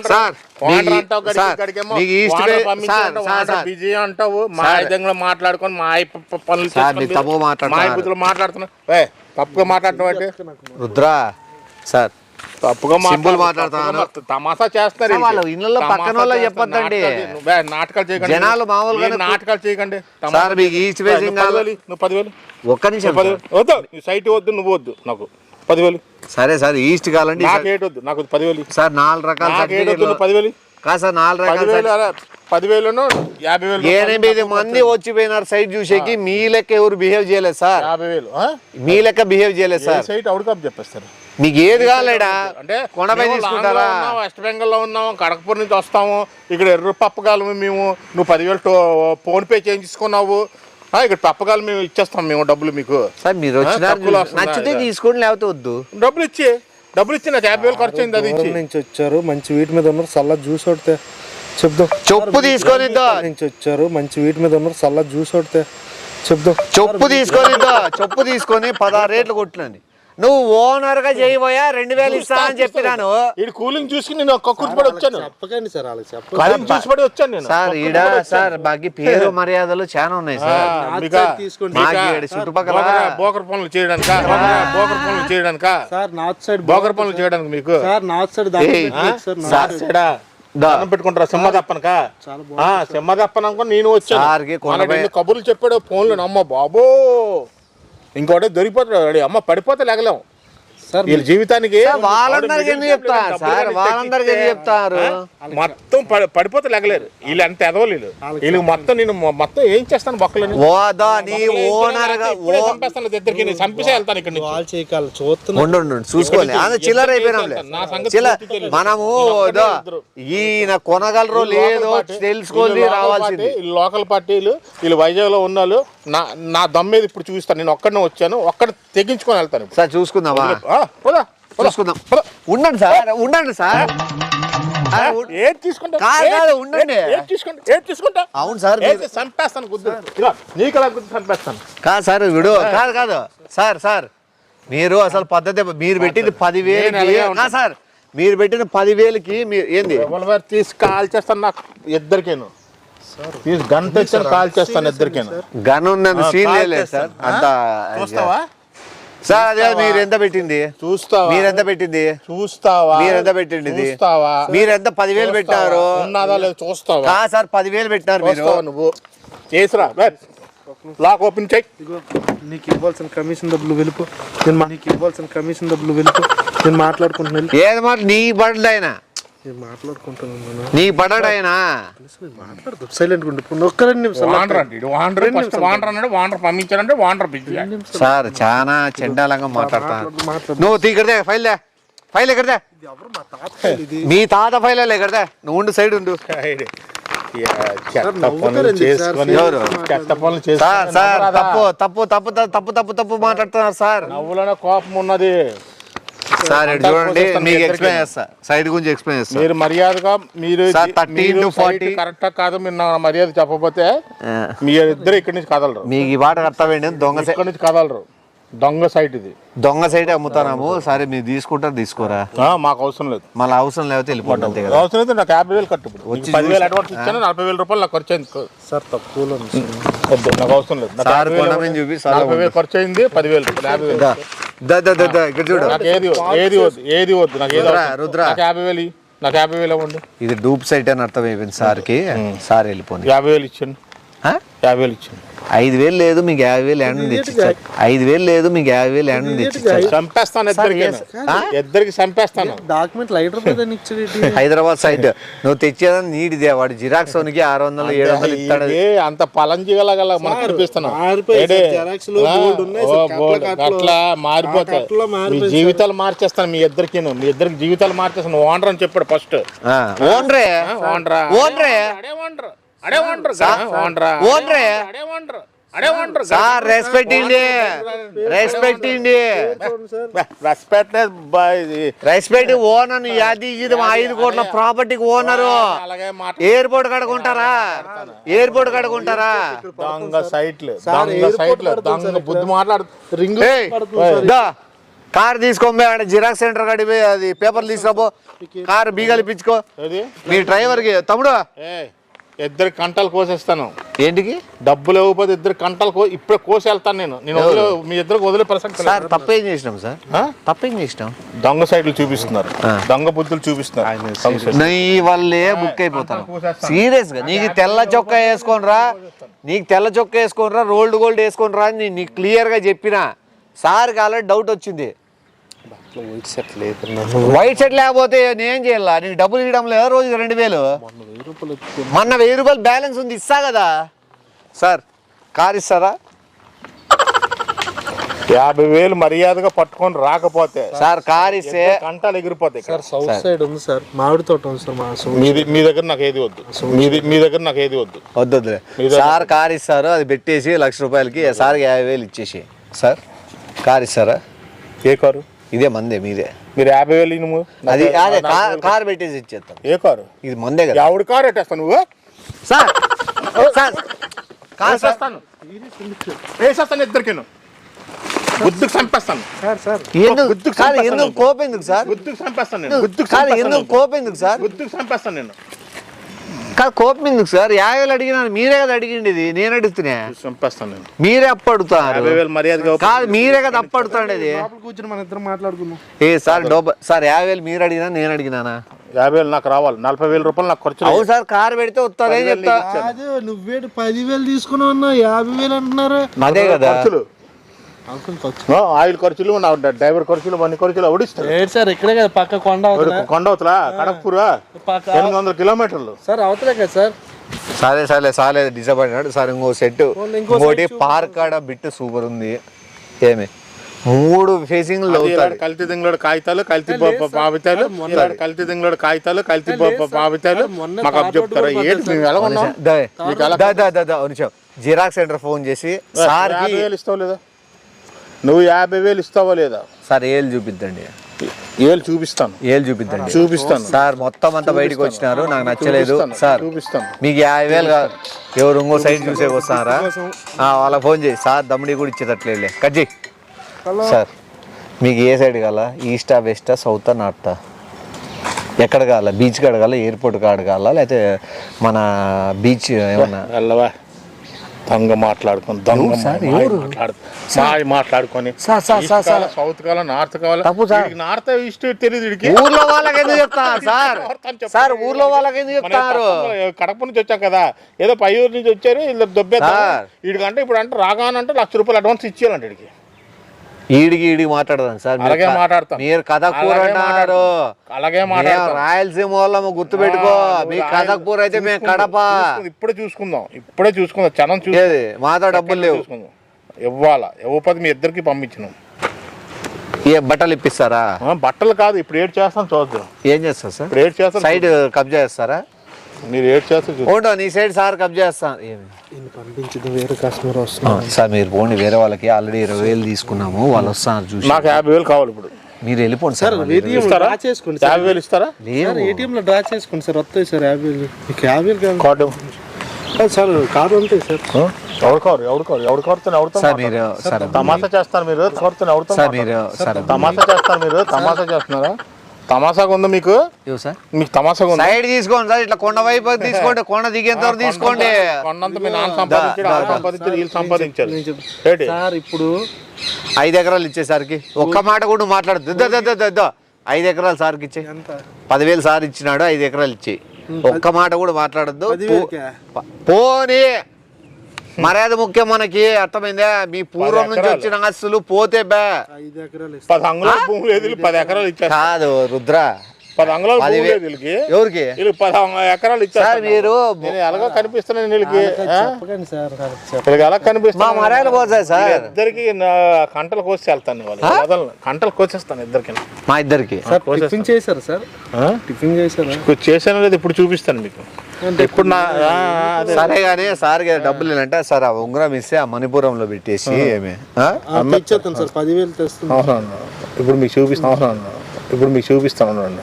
బిజీ అంటావు. మా విధంగా మాట్లాడుకొని మా పనులు
తప్పు మాట్లాడుతున్నా.
మాట్లాడుతున్నావు. తప్పుగా మాట్లాడుతున్నావు అంటే
రుద్రా సార్
తప్పుగా
సింపుల్
మాట్లాడు-
మాట్లాడతాను.
తప్పుగా తమాషా చేస్తున్నారు వీళ్ళకి.
వాళ్ళ ఇళ్ళలో
తమాషా
పక్కన వాళ్ళకి
చేస్తున్నారు.
చెప్పొద్దండి.
నాటకాలు- నువ్వే నాటకాలు చేయకండి.
జనాలు మామూలుగానే
ఏం నాటకాలు చేయకండి.
సార్ మీకు ఈస్ట్ ఫేసింగ్
నువ్వు
కాదు.
పదివేలు, నువ్వు పదివేలు
ఒక్క నిమిషం
పదివేలు వద్దు, నీ సైట్ వద్దు, నువ్వు వద్దు, నాకు పదివేలు.
సరే సార్ ఈస్ట్ కావాలండి
నాకు ఏటి వద్దు, నాకు పదివేలు.
సార్ నాలుగు రకాల
నాకు ఏటి వద్దు,
సర్టిఫికేట్లు
నువ్వు పదివేలు.
కాదు సార్ నాలుగు రకాల
పదివేలు అరే, పదివేలను యాభై వేలు
ఎనిమిది మంది వచ్చిపోయినారు సైట్ చూసేకి మీ లెక్క ఎవరు బిహేవ్ చేయలేదు సార్
యాభై వేలు ఆ?
మీ లెక్క బిహేవ్ చేయలేదు
ఏ
సార్
సైట్ అవుట్ కప్ చెప్పేస్తారు.
మీకు ఏది కావాలేడా
అంటే
కొండపై
మేము
తీసుకుంటారా
లాంగ్లో ఉన్నాం, వెస్ట్ బెంగాల్లో ఉన్నాము, కడకపూర్ నుంచి వస్తాము, ఇక్కడ ఎర్ర పప్పగాలము మేము, నువ్వు పదివేలు టో ఫోన్ పే చేయించుకున్నావు, ఆ, ఇక్కడ పప్పగాలు మేము ఇచ్చేస్తాం మేము డబ్బులు మీకు.
సార్ మీరు వచ్చినారు
తక్కువలో వస్తుందా?
నచ్చితే తీసుకోండి లేకపోతే వద్దు
డబ్బులు ఇచ్చి డబ్బులు ఇచ్చి నాకు యాభై వేలు ఖర్చు అయింది, అది ఇచ్చి.
దూరం నుంచి వచ్చారు, మంచి వీటి మీద ఉన్నారు, చల్ల జ్యూస్ కొడితే చెప్దాం.
చొప్పు తీసుకొని ఇద్దో.
దూరం నుంచి వచ్చారు, మంచి వీటి మీద ఉన్నారు, చల్ల జ్యూస్ కొడితే చెప్దాం.
చొప్పు తీసుకొని ఇద్దో. చొప్పు తీసుకొని పదహారు రేట్లు కొట్టినండి. నువ్వు ఓనర్ గా చేయబోయా రెండు వేలు ఇస్తా అని చెప్పినాను.
ఈడు కూలింగ్ చూసి నేను ఒక్క కూర్చుపడి వచ్చాను,
చెప్పకండి సార్ వాళ్ళకి చెప్ప
కూలింగ్ చూసిపడి వచ్చాను నేను.
సార్ ఈడ సార్ బాకి పేరు మర్యాదలు చాలా ఉన్నాయి సార్.
మీకా?
తీసుకోండి.
మాకు ఈడ చుట్టుపక్కల
బోకర్- బోకర్ పనులు చేయడానిక బోకర్ పనులు చేయడానిక
సార్ నార్త్ సైడ్
బోకర్ పనులు చేయడానికి మీకు
సార్ నార్త్ సైడ్
ఏయ్,
సార్
సార్ చెడా దండం పెట్టుకుంటారా సింహదప్పనక సింహదప్పన అనుకుని నేను
సార్కి
వచ్చాను.
కొండపై-
మనకి ఎన్ని కబుర్లు చెప్పాడు ఫోన్లో, అమ్మ బాబో ఇంకోటి దొరికిపోతాడు, అమ్మ పడిపోతే లేగలేం
సార్
వీళ్ళ జీవితానికి.
సార్, వాళ్ళందరికీ ఎందుకు చెప్తారు సార్? వాళ్ళందరికీ ఎందుకు చెప్తారు?
మొత్తం పడి- పడిపోతే లేగలేరు వీళ్ళు, అంత ఎదవలు వీళ్ళు. వీళ్ళకి మొత్తం నేను మొ- మొత్తం ఏం చేస్తాను బొక్కలని
ఓదా నీ ఓనర్ గా ఓ
చంపేస్తాను, ఇద్దరికి నేను చంపేసే వెళ్తాను ఇక్కడ నుంచి.
వాళ్ళు చేయకాలి చూస్తున్నా.
ఉండు ఉండు, ఉండు, చూసుకోండి అది చిల్లర అయిపోయినాంలే.
నా సంగతి
చిల్లర
పూర్తి తెలియదు.
మనము
వీళ్ళు
ఏదో
ఇద్దరు.
ఈయన కొనగలరో లేదో తెలుసుకోవాలి రావాల్సింది.
వీళ్ళు లోకల్ పార్టీలు, వీళ్ళు వైజాగ్ లో ఉన్నాళ్ళు. నా నా దమ్మేది ఇప్పుడు చూపిస్తాను, నేను ఒక్కడనే వచ్చాను, ఒక్కడ తెగించుకొని వెళ్తాను ఇప్పుడు.
సార్ చూసుకుందామా?
ఆ, పోదా, పోదా,
చూసుకుందాం.
పోదా.
ఉండండి సార్, ఉండండి సార్. అరే, ఉం-
ఏది తీసుకుంటా
కాదు, కాదు, ఉండండి.
ఏది తీసుకుంటా ఏది తీసుకుంటా
అవును సార్,
ఏది చంపేస్తాను గుద్దు, ఇలా నీకు అలా గుద్దు చంపేస్తాను.
కాదు సార్ విడు కాదు కాదు సార్ సార్ మీరు అసలు పద్ధతి మీరు పెట్టింది పదివేలకి
నేను అలాగే ఉంటాను.
కాదు సార్ మీరు పెట్టిన పదివేలకి మీరు ఏంది
రివాల్వర్ తీసి కాల్ చేస్తాను నాకు ఇద్దరికేను, తీసి గన్ తెచ్చాను కాల్ చేస్తాను ఇద్దరికేను.
గన్ ఉన్నది
ఆ,
సీన్
కాల్
లేదు సార్
చేస్తాను.
అంత
చూస్తావా
సార్ అదే మీరు ఎంత పెట్టింది
చూస్తావా
మీరు ఎంత పెట్టింది
చూస్తావా
మీరు ఎంత పెట్టింది ఇది?
చూస్తావా
మీరు ఎంత పదివేలు పెట్టారు
ఉన్నదా లేదు చూస్తావా
కాదు సార్ పదివేలు పెట్టారు మీరు
చూస్తావా నువ్వు చేసిరా లాక్ ఓపెన్ చెక్.
ఇదిగో నీకు ఇవ్వాల్సిన కమిషన్ డబ్బులు వెళ్ళిపో. నేను మా- నీకు ఇవ్వాల్సిన కమిషన్ డబ్బులు వెళ్ళిపో. నేను మాట్లాడుకుంటున్నాను
ఏది మాట నీ పడ్డాయినా
నేను మాట్లాడుకుంటున్నాను
నీ పడ్డాయినా
మాట్లాడదు సైలెంట్ ఉండి ఒక్కరండి నిమిషం
వాండర్ అంటే వాండర్ ఫస్ట్ వాండర్ అన్నాడు, వాండర్ పంపించారంటే వాండర్ బిజీ.
సార్ చాలా చెండాలంగా మాట్లాడతాను
మాట్లాడు.
నువ్వు తీకడదే ఫైల్ దే ఫైల్ ఎక్కడదే
ఎవరు మా తాత ఇది
మీ తాత ఫైల్ ఎక్కడదే నువ్వు ఉండు సైడ్ ఉండు
చెత్త పనులు చేసుకొని
ఎవరు?
చెత్త పనులు
సార్
చేసుకొని
సార్
నవ్వరాదా?
తప్పు తప్పు తప్పు తప్పు తప్పు తప్పు తప్పు మాట్లాడుతున్నారు సార్
నవ్వులోనే కోపం ఉన్నది.
సార్ ఇటు చూడండి
చేస్తాను
మీకు
మీ
ఎక్స్ప్లెయిన్
ఇద్దరికీ.
చేస్తా సైడ్ గురించి ఎక్స్ప్లెయిన్ చేస్తా
మీరు మర్యాదగా మీరు
sir, thirty into forty.
Correct కాదు, మీరు నా మర్యాద చెప్పకపోతే
ఆ,
మీరు ఇద్దరు ఇక్కడి నుంచి కదలరు,
మీకు ఈ పాట కర్తవ్యండి దొంగ సై-
ఇక్కడి నుంచి కదలరు. దొంగ సైట్ ఇది.
దొంగ సైడ్ అమ్ముతున్నాము సరే మీరు తీసుకుంటారు తీసుకోరా
ఆ, మాకు అవసరం లేదు.
మళ్ళీ అవసరం లేకపోతే వెళ్ళిపోవడం అంతే కదా
అవసరం అయితే నాకు యాభై వేలు కట్టు. ఇప్పుడు
వచ్చి
నీకు పదివేలు
చూసి-
అడ్వాన్స్ ఇచ్చాను, నలభై వేల రూపాయలు నాకు ఖర్చు అయింది.
సార్ తక్కువలో ఉంది.
వద్దు, నాకు అవసరం లేదు. నాకు
సార్
యాభై వేలు
కొనమని చూపి సార్
నలభై వేలు ఖర్చు అయింది, పదివేలు రూపాయలు, యాభై వేలు.
దా, దా, దా, దా, దా, ఇక్కడ చూడు
నాకు ఏది వద్దు, ఏది వద్దు, ఏది వద్దు, నాకు ఏది
రుద్ర,
అవసరం.
రుద్ర.
నాకు యాభై వేలు ఇయ్యి. నాకు యాభై వేలు ఇవ్వండి.
ఇది డూప్ సైట్ అని అర్థం అయిపోయింది సార్కి సార్ వెళ్ళిపోయింది
యాభై వేలు ఇచ్చాను, యాభై వేలు ఇచ్చాను.
ఐదు వేలు లేదు మీకు యాభై వేలు ఎండ తెచ్చిచ్చారు ఐదు వేలు లేదు మీకు యాభై వేలు ఎండ తెచ్చిచ్చారు
చంపేస్తాను ఇద్దరికి,
ఆ?
ఇద్దరికి చంపేస్తాను.
డాక్యుమెంట్ లైటర్ మీద ఇచ్చేది
హైదరాబాద్ సైట్ నువ్వు తెచ్చేదని నీటిదే వాడు జిరాక్స్ వనికి ఆరు వందలు ఏడు వందలు ఇస్తాడు
ఇది అంత పలంజిగలగల మనకు కనిపిస్తున్నాం.
మారిపోయాయి
ఏడే?
సార్, xerox లో
ఆ?
board ఉన్నాయి
ఓ
సార్,
board.
కట్ల కట్లు.
అట్లా మారిపోతాయి.
ఆ కట్లో
మీ
మారిపోయాయి
జీవితాలు మార్చేస్తాను మీ ఇద్దరికి, మీ ఇద్దరికి జీవితాలు మార్చేస్తాను. ఓనర్ అని చెప్పాడు ఫస్ట్.
ఓన్రే
ఓనరా
ఓన్రే
అడే ఓనర్ అడే ఓనర్ ఓనరా
ఓన్రే
అడే ఓనర్ అడే ఓనర్
సార్ రెస్పెక్ట్ ఇండి రెస్పెక్ట్ ఇండి
రెస్పెక్ట్
రెస్పెక్ట్ ఓనర్ యాది ఇది మా ఐదు కోట్ల ప్రాపర్టీకి ఓనరు
అలాగే మాట
ఎయిర్పోర్ట్ కడుకుంటారా ఎయిర్పోర్ట్ కడుకుంటారా
దొంగ సైట్లు దొంగ సైట్లు దొంగ బుద్ధి మాట్లాడు రింగ్
కార్ తీసుకోబోయే ఆడ జిరాక్స్ సెంటర్ కాడికి పోయి అది పేపర్లు తీసుకురాబో కార్ బీగాలు ఇప్పించుకో
ఏది
మీ డ్రైవర్కి తమ్ముడు
ఏ ఇద్దరు కంటలు కోసేస్తాను.
ఏంటికి
డబ్బులు ఇవ్వకపోతే ఇద్దరు కంటలు కో ఇప్పుడే కోసి వెళ్తాను నేను నేను వదిలే మీ ఇద్దరికి వదిలే ప్రసక్తి
సార్ తప్పేం చేసినాం సార్
ఆ?
తప్పేం చేసినాం
దొంగ సైడ్లు చూపిస్తున్నారు దొంగ బుద్ధులు చూపిస్తున్నారు దొంగ సైడ్లు.
నీ వల్లే బుక్ అయిపోతాను సీరియస్ గా నీకు తెల్ల చొక్కా వేసుకొని రా నీకు తెల్ల చొక్కా వేసుకొని రా రోల్డ్ గోల్డ్ వేసుకొని రా అని నీకు క్లియర్ గా చెప్పినా సార్ ఆల్రెడీ డౌట్ వచ్చింది వైట్ షర్ట్ లేకపోతే నేనేం చేయాలా నీకు డబ్బులు ఇవ్వడం లేదా రోజు రెండు వేలు మొన్న వెయ్యి రూపాయలు బ్యాలెన్స్ ఉంది ఇస్తా కదా సార్ కార్ ఇస్తారా
యాభై వేలు మర్యాదగా పట్టుకొని రాకపోతే
సార్ కార్ ఇస్తే
కంటాలు ఎగిరిపోతాయి
సార్ సౌత్ సైడ్ ఉంది సార్ మామిడి తోట ఉంది సార్ మా
మీది మీ దగ్గర నాకు ఏది వద్దు మీది మీ దగ్గర నాకు ఏది వద్దు
వద్దు వద్దులే సార్ కార్ ఇస్తారు అది పెట్టేసి లక్ష రూపాయలకి సార్కి యాభై వేలు ఇచ్చేసి సార్ కార్ ఇస్తారా
ఏ కారు
ఇదే మందే మీదే
మీరు యాభై వేలు ఇనుము
అది అదే కార్ పెట్టేసి ఇచ్చేస్తాను
ఏ కారు
ఇది మందే కదా
ఎవడు కారు ఎట్టేస్తాను నువ్వు
సార్ సార్ కార్ సార్
వేసేస్తాను వేసేస్తాను ఇద్దరికిను గుద్దుకు చంపేస్తాను
సార్ సార్
ఎందుకు
గుర్తుకు
కాదు
చంపేస్తాను
ఎందుకు కోపం ఎందుకు సార్
గుద్దుకు చంపేస్తాను నేను గుద్దుకు
కాదు
చంపేస్తాను
ఎందుకు కోపం ఎందుకు సార్
గుద్దుకు చంపేస్తాను నేను
కాదు కోపం ఎందుకు సార్ యాభై వేలు అడిగినాను మీరే కదా అడిగింది ఇది నేను అడుగుతున్నా
చంపేస్తాను నేను
మీరే అప్పడుతారు
యాభై వేలు మర్యాదగా
కాదు మీరే కదా అప్పడుతాండేది
లోపల కూర్చొని మన ఇద్దరం మాట్లాడుకుందాం
ఏ సార్ డబ్బు సార్ యాభై వేలు మీరు అడిగినా నేను అడిగినానా
యాభై వేలు నాకు రావాలి నలభై వేల రూపాయలు నాకు ఖర్చు
అవును సార్ కార్ పెడితే వస్తుందే చెప్తా
అదే నువ్వేటి పదివేలు తీసుకున్నావు అన్నా యాభై వేలు అంటున్నారు
అదే కదా
ఖర్చులు
అంకుల్ ఖర్చు
ఆ, ఆయిల్ ఖర్చులు నా డ్రైవర్ ఖర్చులు అన్ని ఖర్చులు అవడిస్తారు
ఏంటి సార్ ఇక్కడే కదా పక్క కొండ అవుతున్నా
కొండవతలా కడక్పూరా
పక్క
ఎనిమిది వందల కిలోమీటర్లు
సార్ అవతలే కదా సార్
సరే సరే సాలే డిసప్పాయింట్ సార్ ఇంకో సెట్
ఇంకో
ఇంకోటి పార్క్ కాడ బిట్ సూపర్ ఉంది ఏమి మూడు ఫేసింగ్ అవుతాడు
కల్తీ దింగులోడు కాగితాలు కల్తీ పావితాలు కల్తీ దింగులోడు కాగితాలు కల్తీ పావితాలు మాకు అప్పు చెప్తారా ఏంటి మేము ఎలా ఉన్నాం
జిరాక్స్ సెంటర్ ఫోన్ చేసి సార్
యాభై వేలు ఇస్తావు లేదా నువ్వు యాభై వేలు ఇస్తావా లేదా
సార్ ఏళ్ళు చూపిద్దండి
ఏళ్ళు చూపిస్తాను
ఏళ్ళు చూపిద్దండి
చూపిస్తాను
సార్ మొత్తం అంతా బయటకు వచ్చినారు నాకు నచ్చలేదు సార్
చూపిస్తాను
మీకు యాభై వేలు కాదు ఎవరు ఇంకో సైడ్ చూసే వస్తారా వాళ్ళకి ఫోన్ చేయి సార్ దమ్ముడి కూడా ఇచ్చేటట్లే కట్ చేయి సార్ మీకు ఏ సైడ్ కావాలా ఈస్టా వెస్టా సౌతా నార్తా ఎక్కడ కావాలా బీచ్ కాడ కావాలా ఎయిర్పోర్ట్ కాడ కావాలా లేకపోతే మన బీచ్ ఏమన్నా
వెళ్ళవా దొంగ మాట్లాడుకొని దొంగ మాయ మాట్లాడుకొని
sir sir sir sir
south కావాలా నార్త్ కావాలా
తప్పు సార్.
నార్త్ ఈస్ట్ తెలియదు వీడికి
ఊర్లో వాళ్ళకి ఎందుకు చెప్తారు సార్ సార్ ఊర్లో వాళ్ళకి ఎందుకు చెప్తారు
కడప నుంచి వచ్చాం కదా ఏదో పై ఊరు నుంచి వచ్చారు వీళ్ళు దొబ్బేస్తారు
సార్.
వీడికంటే ఇప్పుడు అంటే రాగానంటే లక్ష రూపాయలు అడ్వాన్స్ ఇచ్చేయాలంట వీడికి
ఈడికి ఈడికి మాట్లాడదాం సార్ మీరు
అలాగే
క-
మాట్లాడతాం.
మీరు కథకూర
అలాగే
అంటున్నారు
అలాగే
మేము
మాట్లాడతాం.
రాయలసీమ వాళ్ళము గుర్తు పెట్టుకో మీ కథకూర అయితే మేము కడప
చూసుకుందాం, ఇప్పుడే చూసుకుందాం ఇప్పుడే చూసుకుందాం చనం చూసి
ఏది మాతో డబ్బులు లేవు
చూసుకుందాం ఇవ్వాలా ఇవ్వకపోతే మీ ఇద్దరికి పంపించినాం
ఏ బట్టలు ఇప్పిస్తారా
ఆ, బట్టలు కాదు ఇప్పుడు ఏడు చేస్తాం చూద్దాం
ఏం చేస్తారు సార్
ఇప్పుడు ఏడు చేస్తాం
సైడ్ కబ్జా చేస్తారా
మీరు ఏడు చేస్తే చూద్దాం.
ఓటో నీ సైడ్ సార్ కబ్జా చేస్తాను ఏమి
ఈయన పంపించింది వేరే కస్టమర్ వస్తున్నారు
సార్ మీరు పోండి వేరే వాళ్ళకి ఆల్రెడీ ఇరవై వేలు తీసుకున్నాము వాళ్ళు వస్తున్నారు చూసి
నాకు యాభై వేలు కావాలి ఇప్పుడు
మీరు వెళ్ళిపోండి సార్ మళ్ళీ.
ఏటీఎం
ఇస్తారా?
డ్రా చేసుకోండి సార్
యాభై వేలు ఇస్తారా
లేవు
ఏటీఎం లో డ్రా చేసుకోండి సార్ వస్తాయి సార్ యాభై వేలు మీకు యాభై వేలు కాదు
కార్డు
కాదు సార్ కారు ఉంటాయి సార్
ఎవడు కారు ఎవడు కారు ఎవడు కారుతో ఎవడుతో
సార్ మీరు సార్
తమాషా చేస్తారు మీరు కారుతో ఎవడుతో
సార్ మీరు సార్
తమాషా చేస్తారు మీరు తమాషా చేస్తున్నారా తమాషాగా ఉందా మీకు
ఇవ్వు సార్
మీకు తమాషాగా ఉందా
సైడ్ తీసుకోండి సార్ ఇట్లా కొండ వైపు తీసుకోండి కొండ దిగేంత వరకు తీసుకోండి
కొండంత మీ నాన్న సంపాదించాడు వాళ్ళు సంపాదించారు వీళ్ళు సంపాదించారు
నేను చెప్
ఏంటి
సార్ ఇప్పుడు
ఐదు ఎకరాలు ఇచ్చేసరికి ఒక్క మాట కూడా నువ్వు మాట్లాడదు దో, దో, దో, దో, దో. ఐదు ఎకరాలు సార్కి ఇచ్చే
ఎంత
పదివేలు సార్ ఇచ్చినాడు ఐదు ఎకరాలు ఇచ్చి ఒక్క మాట కూడా మాట్లాడద్దు
పదివేలకా?
పోనీ మర్యాద ముఖ్యం మనకి అర్థమైందా మీ పూర్వం నుంచి
ఎకరాలు.
వచ్చిన ఆస్తులు పోతే బే
ఐదు ఎకరాలు ఇస్తాం
పది అంగుళాల భూమి లేదు వీళ్ళు పది ఎకరాలు ఇచ్చారు
కాదు రుద్ర
పది అంగుళాల భూమి
పదివే-
లేదు వీళ్ళకి
ఎవరికి
వీళ్ళు పది ఎకరాలు ఇచ్చారు
సార్ మీరు
నేను ఎలాగో కనిపిస్తున్నాను వీళ్ళకి ఆ?
చెప్పకండి సార్ చెప్ప
వీళ్ళకి ఎలా
మా
కనిపిస్తున్నా
మర్యాద పోతాయి సార్
ఇద్దరికి కంటలు కోసి వెళ్తాను వాళ్ళు వదలను కంటలు కోసేస్తాను ఇద్దరికి
మా ఇద్దరికి
సార్ టిఫిన్ చేశారు సార్ టిఫిన్ చేశారా
చేశాను లేదు ఇప్పుడు చూపిస్తాను మీకు ఇప్పుడు నా ఆ, అదే.
సరే కానీ సార్ డబ్బులు ఏంటంటే సార్ ఆ ఉంగరం ఇస్తే ఆ మణిపురంలో పెట్టేసి ఏమి ఆ?
ఇచ్చేస్తాను సార్ పదివేలు తెస్తుంది
అవునవును ఇప్పుడు మీకు చూపిస్తాను అవునవును ఇప్పుడు మీకు చూపిస్తాను అవునండి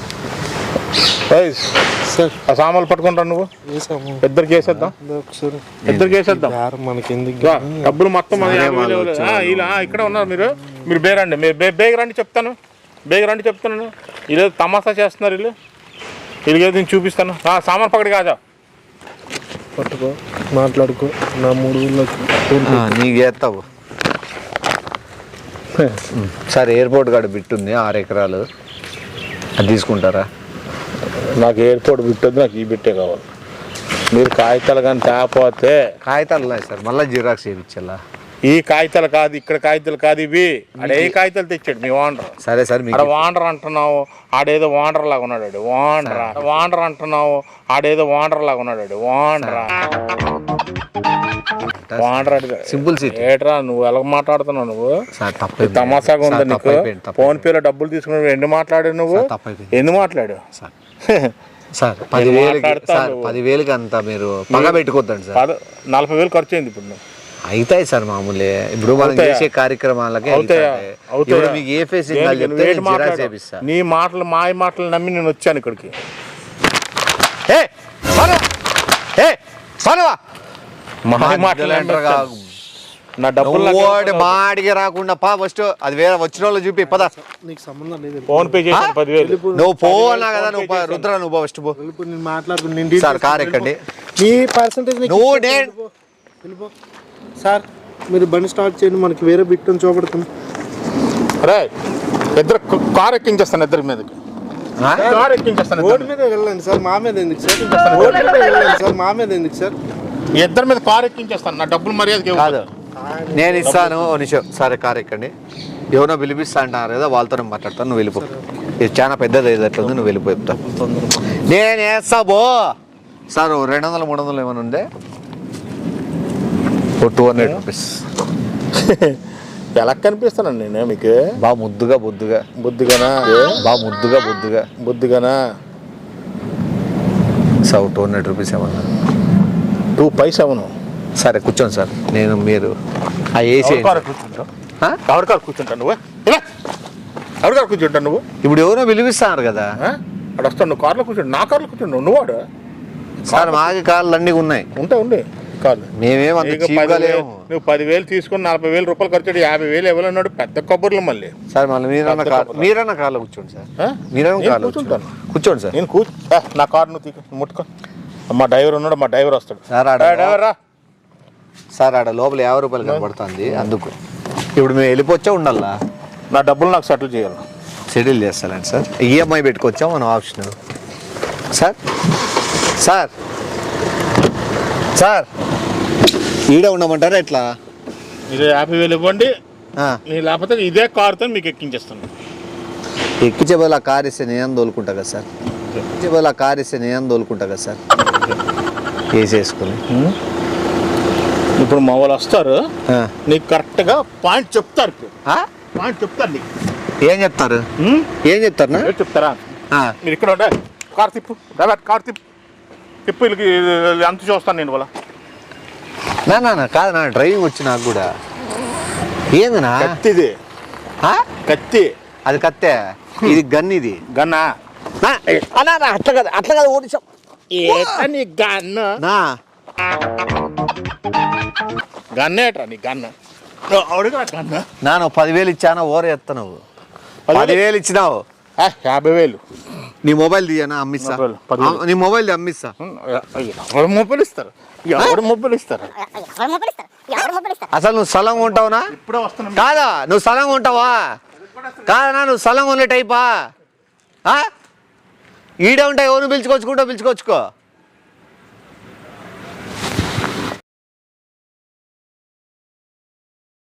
ఏయ్,
సార్
ఆ సామాన్లు పట్టుకుంటా నువ్వు
వేసాము
ఇద్దరికి వేసేద్దాం
ఒకసారి
ఇద్దరికి వేసేద్దాం
బేరం మనకి ఎందుకు
రా, డబ్బులు మొత్తం మన యాభై వేలు ఇవ్వలేదు. ఆ, ఇలా ఆ, ఇక్కడ ఉన్నారు మీరు మీరు బేరండి మీరు బే బేగ రండి చెప్తాను బేగ రండి చెప్తాను వీళ్ళు తమాషా చేస్తున్నారు వీళ్ళు వీళ్ళకి ఏదో నేను చూపిస్తాను ఆ, సామాన్ పక్కడి కాజా
పట్టుకో మాట్లాడుకో నా మూడు ఊళ్ళకి
ఆ, నీకు చేస్తావు సార్ ఎయిర్పోర్ట్ కాడ బిట్టుంది ఆరు ఎకరాలు అది తీసుకుంటారా?
నాకు ఎయిర్పోర్ట్ బిట్టొద్దు, నాకు ఈ బిట్టే కావాలి. మీరు కాగితాలు కానీ తేపోతే
కాగితాలు ఉన్నాయి సార్, మళ్ళీ జిరాక్స్ చేయించాలా?
ఈ కాగితాలు కాదు, ఇక్కడ కాగితాలు కాదు ఇవి. ఆడ ఏ కాగితాలు తెచ్చాడు మీ వాండర్?
సరే సార్
ఆడ వాండర్ అంటున్నావు, ఆడేదో వాండర్ లాగా ఉన్నాడు. వాండర్ వాండర్ అంటున్నావు, ఆడేదో వాండర్ లాగా ఉన్నాడు. వాండర్ వాండర్ అడిగా
సింపుల్ సిటీ
ఏట్రా నువ్వు ఎలా మాట్లాడుతున్నావు? నువ్వు
సార్ తప్ప
తమాసాగా ఉందా నీకు? ఫోన్ పేలో డబ్బులు తీసుకుని ఎన్ని మాట్లాడావు నువ్వు? ఎన్ని మాట్లాడావు
సార్? పదివేలకి సార్, పదివేలకి అంత మీరు పగ పెట్టుకోద్దండి సార్.
నలభై వేలు ఖర్చు అయింది ఇప్పుడు.
అవుతాయి సార్ మామూలే, ఇప్పుడు మనం చేసే కార్యక్రమాలకి. ఇప్పుడు మీకు ఏ ఫేస్ చెప్తే జిరాక్స్ చేపిస్తా.
నీ మాటలు మాయ మాటలు నమ్మి నేను వచ్చాను ఇక్కడికి. నా డబ్బులు
మాడికి రాకుండా పా ఫస్ట్ అది వేరే వచ్చిన వాళ్ళు చూపి పదా.
నీకు సంబంధం లేదు.
ఫోన్ పే చేసి పదివేలు
నువ్వు పో అన్నా కదా, నువ్వు రుద్ర నువ్వు పో ఫస్ట్ పో.
నేను మాట్లాడుకుని
సార్ కార్ ఎక్కండి.
మీ పర్సంటేజ్
నువ్వు నేను
వెళ్ళిపో సార్. మీరు బండి స్టార్ట్ చేయండి, మనకి వేరే బిట్టు చూపెడతాం.
అరే ఇద్దరు కార్ ఎక్కించేస్తాను, ఇద్దరి మీదకి కార్ ఎక్కించేస్తాను.
రోడ్డు మీద వెళ్ళండి సార్, మా మీద ఎందుకు సార్? రోడ్డు మీద వెళ్ళండి సార్, మా మీద ఎందుకు సార్?
ఇద్దరి మీద కార్ ఎక్కించేస్తాను. నా డబ్బులు మర్యాద
కాదు, నేను ఇస్తాను. ఓ నిమిషం సరే కార్ ఎక్కండి. ఎవరో పిలిపిస్తా అంటారు కదా, వాళ్ళతో మాట్లాడతాను. నువ్వు వెళ్ళిపో, ఇది చాలా పెద్దది అయ్యేటట్లుంది, నువ్వు వెళ్ళిపో చెప్తా. నేను వేస్తా బో సార్. రెండు వందలు మూడు వందలు ఏమైనా ఉందే? Oh two hundred rupees.
ఎలా కనిపిస్తానండి నేను మీకు?
బాగా ముద్దుగా బొద్దుగా.
బుద్ధిగానా?
బాగా ముద్దుగా బొద్దుగా.
బుద్ధిగానా?
సార్ టూ హండ్రెడ్ రూపీస్ ఏమన్నా?
టూ పైసా అవును.
సరే కూర్చోండి సార్. నేను మీరు ఆ ఏసీ
కూర్చుంటావు? ఎవరి కారు కూర్చుంటాను నువ్వు? ఎవరి కారు కూర్చుంటాను నువ్వు?
ఇప్పుడు ఎవరో పిలిపిస్తున్నారు కదా,
అక్కడ వస్తాను. నువ్వు కార్లో కూర్చుంటు. నా కార్లో కూర్చుంటావు నువ్వు? వాడు
సార్ మాకి కార్లు అన్నీ ఉన్నాయి.
ఉంటా ఉండి కార్లు.
మేమేమంత
నువ్వు పదివేలు తీసుకుని నలభై వేలు రూపాయలు ఖర్చు యాభై వేలు ఇవ్వాలన్నాడు. పెద్ద కబుర్లు మళ్ళీ.
సార్ మళ్ళీ మీరన్న కార్ మీరన్న కార్లో కూర్చోండి సార్. మీరన్న కార్లో కూర్చుంటాను. కూర్చోండి సార్.
నేను కూర్చో. నా కారు నువ్వు తీకు, ముట్టుకో. మా డ్రైవర్ ఉన్నాడు, మా డ్రైవర్ వస్తాడు.
సార్ ఆడ
డ్రైవర్ రా
సార్. ఆడ లోపల యాభై రూపాయలు కనబడుతుంది, అందుకు ఇప్పుడు మేము వెళ్ళిపోవచ్చా ఉండాలా?
నా డబ్బులు నాకు సెటిల్ చేయాలి.
సెటిల్ చేస్తానండి సార్. ఈఎంఐ పెట్టుకోవచ్చా మనం ఆప్షన్? సార్ సార్ సార్ ఈడే ఉండమంటారా ఎట్లా?
మీరు యాభై వేలు ఇవ్వండి, నేను లేకపోతే ఇదే కారుతో మీకు ఎక్కించేస్తాను.
ఎక్కించే బదులు ఆ కార్ ఇస్తే నేను తోలుకుంటా కదా సార్. ఎక్కించే బదులు ఆ కార్ ఇస్తే నేను తోలుకుంటా కదా సార్, వేసేసుకుని.
ఇప్పుడు మా వాళ్ళు వస్తారు, నీకు కరెక్ట్గా పాయింట్ చెప్తారు. పాయింట్ చెప్తారు నీకు.
ఏం చెప్తారు? ఏం చెప్తారు?
చెప్తారా? మీరు ఇక్కడ ఉండే కార్ తిప్పు, డ్రైవర్ కార్ తిప్పు తిప్పు వీళ్ళకి అంత చూస్తాను నేను. వాళ్ళ
నా కాదు, నా డ్రైవింగ్ వచ్చి నాకు కూడా. ఏందినా?
కత్తిది. కత్తి
అది కత్తే, ఇది గన్. ఇది
గన్నా?
అట్లా కదా, అట్లా కదా ఓడించాం.
నీ గన్న గన్నేట్రా? నీ గన్న గన్న
నాను పదివేలు ఇచ్చానా ఓరే ఎత్త. నువ్వు పదివేలు ఇచ్చినావు,
యాభై వేలు.
నీ మొబైల్ తీయనా అమ్మిస్తా. నీ మొబైల్ అమ్మిస్తా.
ఎవరు మొబైల్ ఇస్తారు? ఎవరు మొబైల్ ఇస్తారు?
అసలు నువ్వు స్థలం ఉంటావునా?
ఇప్పుడే వస్తున్నా.
కాదా నువ్వు స్థలం ఉంటావా? కాదనా నువ్వు స్థలం ఉండే టైపా? ఈడే ఉంటాయి, ఎవరు పిలుచుకొచ్చుకుంటా పిలుచుకొచ్చుకో.